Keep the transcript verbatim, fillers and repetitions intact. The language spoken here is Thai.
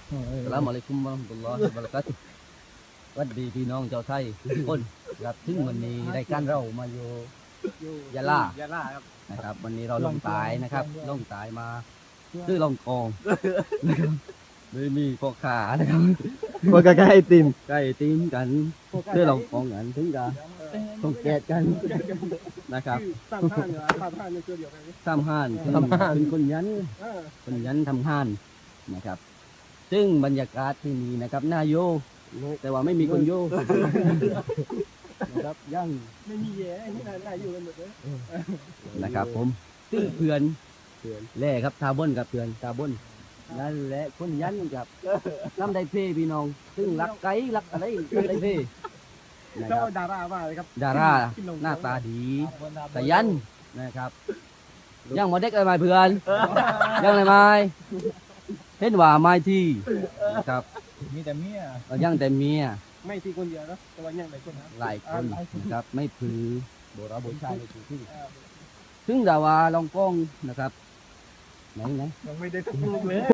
อัสสลามุอะลัยกุมวะเราะห์มะตุลลอฮิวะบะเราะกาตุฮ์สวัสดีพี่น้องชาวไทยทุกคนครับถึงวันนี้รายการเรามาอยู่ยะลายะลาครับนะครับ วันนี้เราลงใตายนะครับลงใตายมาซื้อลองกองนะครับเลยมีพ่อขานะครับพวกก็ใกล้ติมใกล้ตีนกันซื้อลองกองกันถึงกันต้องแกะกันนะครับสามห้านเนี่ยสามห้านเนี่ยตัวเดียวกันทำห้านคือเป็นคนยันเออคนยันทำห้านนะครับ ซึ่งบรรยากาศที่นี่นะครับน่าโยแต่ว่าไม่มีคนโยนะครับยังไม่มีแย่ที่ไหนได้อยู่กันหมดเลยนะครับผมซึ่งเพื่อนแล่ครับทาบนกับเพื่อนทาบนนั่นแหละคนยันกับน้ำไดเพพี่น้อง ซึ่งรักไก่รักอะไรน้ำไดเพนะคเจ้ารับดารามาเลยครับดาราหน้าตาดีแต่ยันนะครับยังมาเด็กอะไรเพื่อนยังอะไรไม่เห็นว่าไม่ที่นะครับมีแต่เมียเอายังแต่เมียไม่ที่คนเดียวนะแต่ว่ายังหลายคนนะหลายคนนะครับไม่ผือโบราณโบราณในที่ที่ซึ่งดาว่าลองกล้องนะครับไหนไหนยังไม่ได้ทุกลูกเลย